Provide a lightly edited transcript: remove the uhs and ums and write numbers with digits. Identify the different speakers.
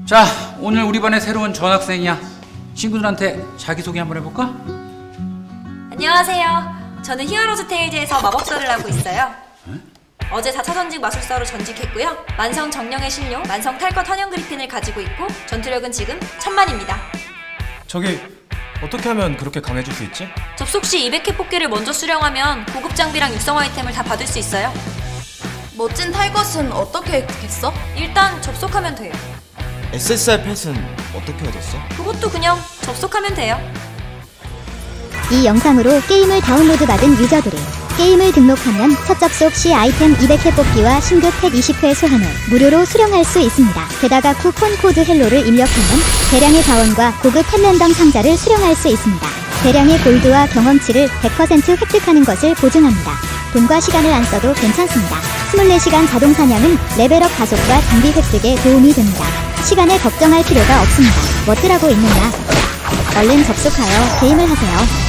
Speaker 1: 자, 오늘 우리 반에 새로운 전학생이야. 친구들한테 자기소개 한번 해볼까?
Speaker 2: 안녕하세요. 저는 히어로즈 테일즈에서 마법사를 하고 있어요. 어제 4차 전직 마술사로 전직했고요. 만성 정령의 신용, 만성 탈것 환영 그리핀을 가지고 있고 전투력은 지금 1000만입니다.
Speaker 3: 저기 어떻게 하면 그렇게 강해질 수 있지?
Speaker 2: 접속 시 200회 뽑기를 먼저 수령하면 고급 장비랑 육성 아이템을 다 받을 수 있어요.
Speaker 4: 멋진 탈것은 어떻게 획득했어?
Speaker 2: 일단 접속하면 돼요.
Speaker 5: SSR 펫은 어떻게 얻었어?
Speaker 2: 그것도 그냥 접속하면 돼요.
Speaker 6: 이 영상으로 게임을 다운로드 받은 유저들은 게임을 등록하면 첫 접속 시 아이템 200회 뽑기와 신규 펫 20회 소환을 무료로 수령할 수 있습니다. 게다가 쿠폰 코드 헬로를 입력하면 대량의 자원과 고급 펫 랜덤 상자를 수령할 수 있습니다. 대량의 골드와 경험치를 100% 획득하는 것을 보증합니다. 돈과 시간을 안 써도 괜찮습니다. 24시간 자동 사냥은 레벨업 가속과 장비 획득에 도움이 됩니다. 시간에 걱정할 필요가 없습니다. 뭐 뜨라고 있느냐? 얼른 접속하여 게임을 하세요.